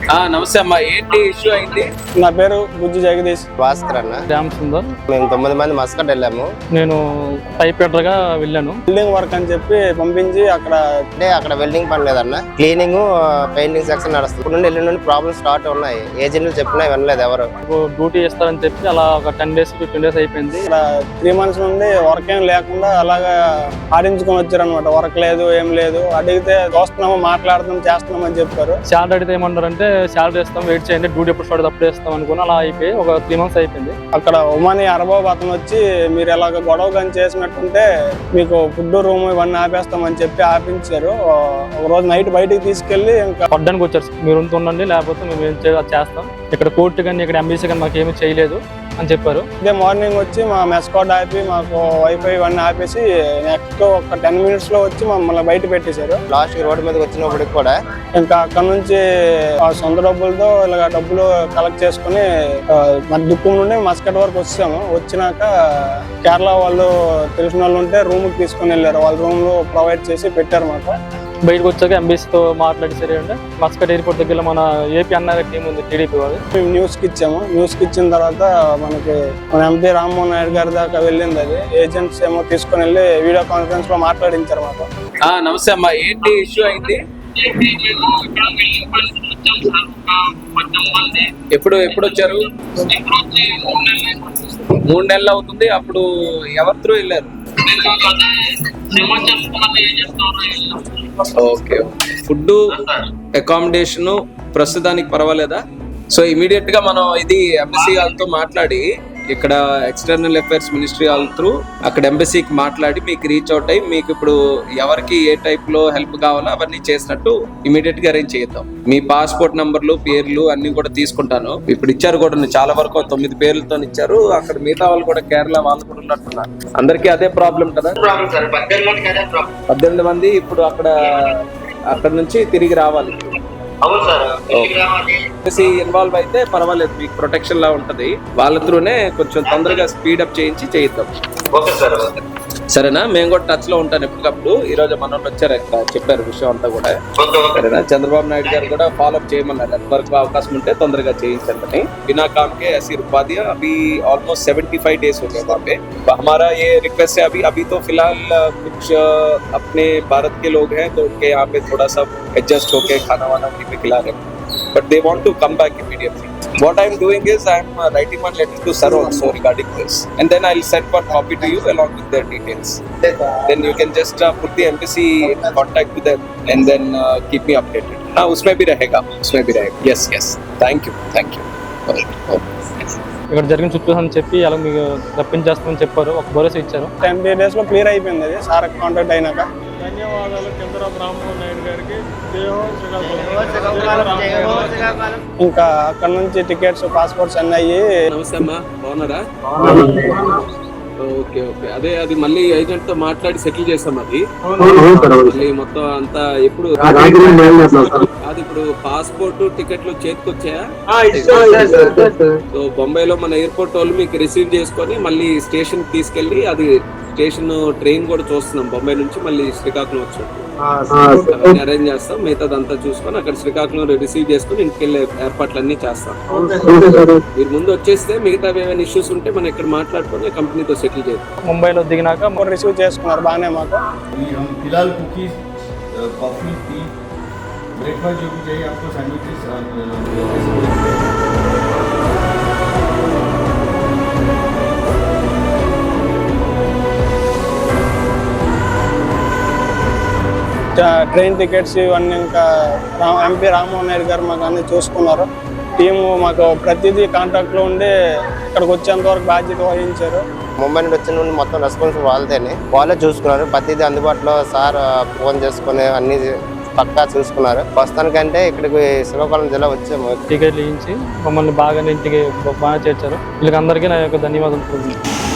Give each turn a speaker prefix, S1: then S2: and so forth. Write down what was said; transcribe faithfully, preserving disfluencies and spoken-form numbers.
S1: నమస్తే అమ్మా, ఏంటి ఇష్యూ అయింది?
S2: నా పేరు గుజ్జు జగదీష్.
S3: భాస్కర్ అన్న.
S4: శ్యామ్ సుందర్.
S3: మేము తొమ్మిది మంది మస్కట్ వెళ్ళాము.
S4: నేను పైప్ గా వెళ్ళాను.
S2: బిల్డింగ్ వర్క్ అని చెప్పి పంపించి అక్కడ
S3: అంటే అక్కడ వెల్డింగ్ పని లేదన్న, క్లీనింగ్ పెయింటింగ్ సెక్షన్ నడుస్తుంది. ఇప్పుడు నుండి వెళ్ళిన నుండి ప్రాబ్లమ్స్ స్టార్ట్ ఉన్నాయి. ఏజెంట్లు చెప్పినా వినలేదు ఎవరు.
S4: డ్యూటీ చేస్తారని చెప్పి అలా ఒక టెన్ డేస్ ఫిఫ్టీన్ డేస్ అయిపోయింది.
S2: ఇక్కడ త్రీ మంత్స్ నుండి వర్క్ ఏం లేకుండా అలాగా ఆడించుకొని వచ్చారు అనమాట. వర్క్ లేదు ఏం లేదు. అడిగితే చూస్తున్నాము, మాట్లాడుతున్నాం, చేస్తున్నాం అని చెప్పారు.
S4: శాలరీ అడిగితే ఏమన్నారంటే శాలరీ ఇస్తాం, వెయిట్ చేయండి, డ్యూటీ ఎప్పుడు స్టార్ట్ అప్పుడు ఇస్తాం అనుకుని అలా అయిపోయి ఒక త్రీ మంత్స్ అయిపోయింది.
S2: అక్కడ ఉమాని అరబాబు అతను వచ్చి మీరు ఎలాగ గొడవ కానీ చేసినట్టుంటే మీకు ఫుడ్ రూమ్ ఇవన్నీ ఆపేస్తామని చెప్పి ఆపించారు. ఒక రోజు నైట్ బయటికి తీసుకెళ్లి ఇంకా
S4: పడ్డానికి వచ్చారు. మీరు ఉంటుండండి, లేకపోతే మేము ఏం చేస్తాం, ఇక్కడ కోర్టు కానీ ఇక్కడ ఎంబీసీ కానీ మాకు ఏమీ చేయలేదు అని చెప్పారు.
S2: ఇదే మార్నింగ్ వచ్చి మా మెస్ కోడ్ ఆపి మాకు వైఫై ఇవన్నీ ఆపేసి నెక్స్ట్ ఒక టెన్ మినిట్స్ లో వచ్చి మమ్మల్ని బయట పెట్టేశారు.
S3: లాస్ట్ రోడ్డు మీదకి వచ్చినప్పటికి కూడా
S2: ఇంకా అక్కడ నుంచి ఆ సొంత డబ్బులతో ఇలాగ డబ్బులు కలెక్ట్ చేసుకుని మన దుక్కుం నుండి మస్కట్ వరకు వచ్చాము. వచ్చినాక కేరళ వాళ్ళు తెలిసిన వాళ్ళు ఉంటే రూమ్ కి తీసుకుని వెళ్ళారు. వాళ్ళ రూమ్ లో ప్రొవైడ్ చేసి పెట్టారు మాకు.
S4: బయటకు వచ్చాక ఎంబీసీతో మాట్లాడి సరే అంటే మస్కట్ ఎయిర్పోర్ట్ దగ్గర మన ఏపీ అన్నారు టీం ఉంది, టీడీపీ వాళ్ళు.
S2: మేము న్యూస్ కి ఇచ్చాము. న్యూస్ కి ఇచ్చిన తర్వాత మనకి మన ఎంపీ రామ్మోహన్ నాయుడు గారి దాకా వెళ్ళింది. అది ఏజెంట్స్ ఏమో తీసుకుని వెళ్ళి వీడియో కాన్ఫరెన్స్ లో మాట్లాడించారు మాకు.
S1: నమస్తే అమ్మా, ఏంటి ఇష్యూ అయింది? ఎప్పుడు ఎప్పుడు వచ్చారు? మూడు నెలలు అవుతుంది. అప్పుడు ఎవరి త్రూ వెళ్ళారు? ఓకే, ఫుడ్ అకామిడేషన్ ప్రస్తుతానికి పర్వాలేదా? సో ఇమీడియట్ గా మనం ఇది ఎంబసీ వాళ్ళతో మాట్లాడి ఇక్కడ ఎక్స్టర్నల్ అఫైర్స్ మినిస్ట్రీ వాళ్ళ త్రూ అక్కడ ఎంబసీకి మాట్లాడి మీకు రీచ్ అవుట్ అయ్యి మీకు ఇప్పుడు ఎవరికి ఏ టైప్ లో హెల్ప్ కావాలో అవన్నీ చేసినట్టు ఇమీడియట్ గా అరేంజ్ చేద్దాం. మీ పాస్పోర్ట్ నంబర్లు, పేర్లు అన్ని కూడా తీసుకుంటాను. ఇప్పుడు ఇచ్చారు కూడా, చాలా వరకు తొమ్మిది పేర్లతో ఇచ్చారు. అక్కడ మిగతా వాళ్ళు కూడా కేరళ వాళ్ళు కూడా ఉన్నట్టున్నారు. అందరికీ అదే ప్రాబ్లం కదా? పద్దెనిమిది మంది ఇప్పుడు అక్కడ అక్కడ నుంచి తిరిగి రావాలి. ఇన్వాల్వ్ అయితే పర్వాలేదు, మీకు ప్రొటెక్షన్ లా ఉంటది. వాళ్ళ త్రూనే కొంచెం తొందరగా స్పీడప్ చేయించి చేయిద్దాం. సరేనా? మేము కూడా టచ్ లో ఉంటాను ఎప్పటికప్పుడు. ఈ రోజు మన వచ్చారు, ఇక్కడ చెప్పారు విషయం అంతా కూడా. సరేనా? చంద్రబాబు నాయుడు గారు కూడా ఫాలో అప్ చేయమన్నారు. ఎంతవరకు అవకాశం ఉంటే తొందరగా చేయించండి. बिना काम के ऐसी रुकवा दिया. अभी ऑलमोस्ट सेवेंटी फाइव डेज हो गए वहाँ पे. हमारा ये रिक्वेस्ट है, अभी अभी तो फिलहाल कुछ अपने भारत के लोग हैं तो उनके यहाँ पे थोड़ा सा एडजस्ट होके खाना वाना उन्हीं पे खिला रहे हैं. But they want to come back immediately. What I'm doing is I'm uh, writing one letter to Sir also regarding this, and then I'll send one copy to you along with their details. Then you can just uh, put the embassy in contact with them, and then uh, keep me updated. हाँ, उसमें भी रहेगा, उसमें भी रहेगा. Yes, yes. Thank you, thank you.
S4: ఇక్కడ జరిగిన చుట్టూ అని చెప్పి అలా మీకు రప్పించేస్తామని చెప్పారు. ఒక భరోసా ఇచ్చారు.
S2: టెన్ డేస్ లో క్లియర్ అయిపోయింది అది సార్ కాంటాక్ట్ అయినాక.
S5: ధన్యవాదాలు చంద్రబాబు రామ్మోహన్ నాయుడు గారికి.
S2: ఇంకా అక్కడ నుంచి టికెట్స్, పాస్పోర్ట్స్ అన్నీ అయ్యి.
S1: నమస్తే అమ్మా, బాగున్నారా? ఓకే ఓకే, అదే అది మళ్ళీ ఏజెంట్ తో మాట్లాడి సెటిల్ చేస్తాం. అది మళ్ళీ మొత్తం అంతా ఎప్పుడు అది ఇప్పుడు పాస్పోర్ట్ టికెట్లు చేతికి వచ్చాయా? సో బొంబాయిలో మన ఎయిర్పోర్ట్ వాళ్ళు మీకు రిసీవ్ చేసుకొని మళ్ళీ స్టేషన్ తీసుకెళ్లి, అది స్టేషన్ ట్రైన్ కూడా చూస్తున్నాం బొంబాయి నుంచి మళ్ళీ శ్రీకాకుళం వచ్చినట్టు అవన్నీ అరేంజ్ చేస్తాం. మిగతాదంతా చూసుకొని అక్కడ శ్రీకాకుళం రిసీవ్ చేసుకుని ఇంటికి వెళ్ళే ఏర్పాట్లు అన్ని చేస్తాం. మీరు ముందు వచ్చేస్తే మిగతా ఏమైనా ఇష్యూస్ ఉంటే మనం ఇక్కడ మాట్లాడుకొని కంపెనీతో సెటిల్ చేద్దాం.
S4: ముంబైలో దిగినాక
S2: రిసీవ్ చేసుకున్నారు బాగానే మాకు.
S5: फिलहाल कुकीज, कॉफी, टी, ब्रेकफास्ट जो भी चाहिए आपको, सैंडविचेस.
S2: ట్రైన్ టికెట్స్ ఇవన్నీ ఇంకా ఎంపీ రామ్మోహన్ నాయుడు గారు మాకు అన్ని చూసుకున్నారు. టీము మాకు ప్రతిదీ కాంటాక్ట్ లో ఉండి ఇక్కడికి వచ్చేంత వరకు బాధ్యత వహించారు.
S3: ముంబై నుండి వచ్చిన నుండి మొత్తం రెస్పాన్సిబుల్ వాళ్ళతోనే, వాళ్ళే చూసుకున్నారు. ప్రతిదీ అందుబాటులో సార్ ఫోన్ చేసుకుని అన్ని పక్కా చూసుకున్నారు. ప్రస్తుతానికంటే ఇక్కడికి శ్రీకాకుళం జిల్లా వచ్చాము.
S4: టికెట్లు ఇచ్చి మమ్మల్ని బాగా ఇంటికి బాగా చేర్చారు. వీళ్ళకి అందరికీ నా యొక్క ధన్యవాదాలు.